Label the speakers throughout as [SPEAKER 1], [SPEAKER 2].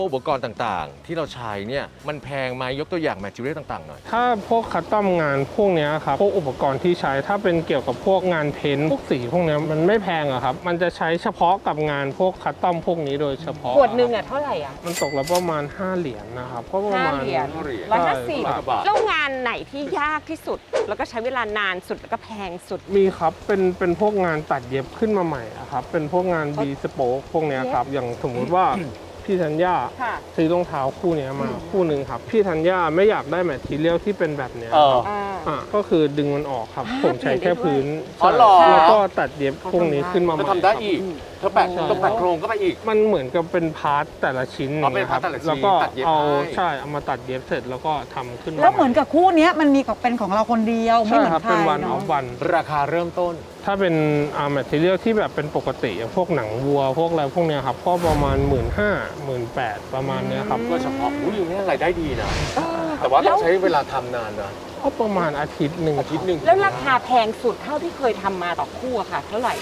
[SPEAKER 1] อุปกรณ์ต่างๆ ที่เราใช้เนี่ยมันแพงไหมยกตัวอย่างแมทริเอลต่างๆหน่อย
[SPEAKER 2] ถ้าพวกคัสตอมงานพวกนี้ครับพวกอุปกรณ์ที่ใช้ถ้าเป็นเกี่ยวกับพวกงานเพ้นท์พวกสีพวกนี้มันไม่แพงอะครับมันจะใช้เฉพาะกับงานพวกคัสตอมพวกนี้โดยเฉพาะ
[SPEAKER 3] ขวดหนึ่งเท่าไหร่อ่ะ
[SPEAKER 2] มันตกละประมาณ5เหรียญนะครับก็ประมาณ
[SPEAKER 3] 5 เหรียญ 150แล้วงานไหนที่ยากที่สุด แล้วก็ใช้เวลานานสุดแล้วก็แพงสุด
[SPEAKER 2] มีครับเป็นพวกงานตัดเย็บขึ้นมาใหม่อะครับเป็นพวกงานบีสโป๊กพวกเนี้ยครับอย่างสมมุติว่าพี่ธัญญาซื้อรองเท้าคู่นี้มาคู่หนึ่งครับพี่ธัญญาไม่อยากได้แมททีเรียลที่เป็นแบบเนี้ยครับก็คือดึงมันออกครับผมใช้แค่พื้นแล้วก็ตัดเย็บพวกนี้ขึ้นมาใหม่
[SPEAKER 1] ทำได้อีกเธอแปะต้องแปะโครงก็ไปอีก
[SPEAKER 2] มันเหมือนกับเป็นพาร์ทแต่ละชิ้นนะครับแล้วก็เอาเอามาตัดเย็บเสร็จแล้วก็ทำขึ้นมา
[SPEAKER 4] แล้วเหมือนกับคู่นี้มันมีเป็นของเราคนเดียวไม่เหมือนใคร
[SPEAKER 2] เป็นวันออ
[SPEAKER 4] เนาะ
[SPEAKER 2] ฟวัน
[SPEAKER 1] ราคาเริ่มต้น
[SPEAKER 2] ถ้าเป็นแมทเทียลที่แบบเป็นปกติอย่างพวกหนังวัวพวกอะไรพวกเนี้ยครับก็ประมาณ 15,000-18,000 ประมาณเนี้ยครับ
[SPEAKER 1] ก็เฉพาะอุ้ยนี่รายได้ดีนะแต่ว่าต้องใช้เวลาทำนานนะ
[SPEAKER 2] ก็ประมาณอาทิตย์หนึ่ง
[SPEAKER 3] แล้วราคาแพงสุดเท่าที่เคยทำมาต่อคู่อะค่ะเท่าไหร่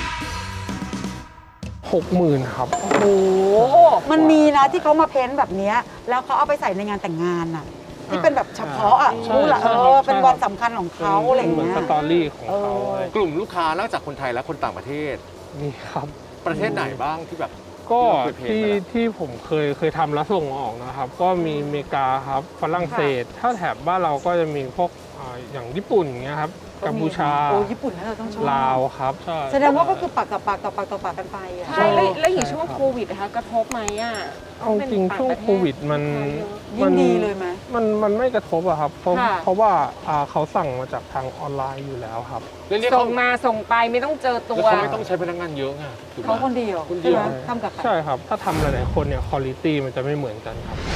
[SPEAKER 2] 60,000ครับ
[SPEAKER 3] โอ้โห
[SPEAKER 4] มันมีนะที่เขามาเพ้นท์แบบนี้แล้วเขาเอาไปใส่ในงานแต่งงานอ่ะที่เป็นแบบเฉพาะอ่ะรู้ละเป็นวันสำคัญของเขาอะไรอย่างเงี้ย
[SPEAKER 2] สตอรี่ของเขา
[SPEAKER 1] กลุ่มลูกค้านอกจากคนไทยและคนต่างประเทศ
[SPEAKER 2] มีครับ
[SPEAKER 1] ประเทศไหนบ้างที่แบบ
[SPEAKER 2] ก็ที่ผมเคยทำแล้วส่งออกนะครับก็มีอเมริกาครับฝรั่งเศสถ้าแถบบ้านเราก็จะมีพวกอย่างญี่ปุ่นอย่างเงี้ยครับกัมพูชา
[SPEAKER 4] ญี่ปุ่นเราต้องชอบ
[SPEAKER 2] ลาวครับ
[SPEAKER 4] แสดงว่าก็คือปากต่อปากต่อปากต่อปากกันไปอ่ะ
[SPEAKER 3] ใช่แล้วอย่างช่วงโควิดนะคะกระทบไหมอ่ะ
[SPEAKER 2] เอาจริงช่วงโควิดมัน
[SPEAKER 4] ดีเลยไหม
[SPEAKER 2] มันไม่กระทบอะครับเพราะว่าเขาสั่งมาจากทางออนไลน์อยู่แล้วครับ
[SPEAKER 3] ส่งมาส่งไปไม่ต้องเจอตัว
[SPEAKER 1] เขาไม่ต้องใช้พนักงานเยอะไง
[SPEAKER 4] เขาคนเดียวใช่ไหมทำกับ
[SPEAKER 2] ใช่ครับถ้าทำหลายๆคนเนี่ยคุณภาพมันจะไม่เหมือนกันครับ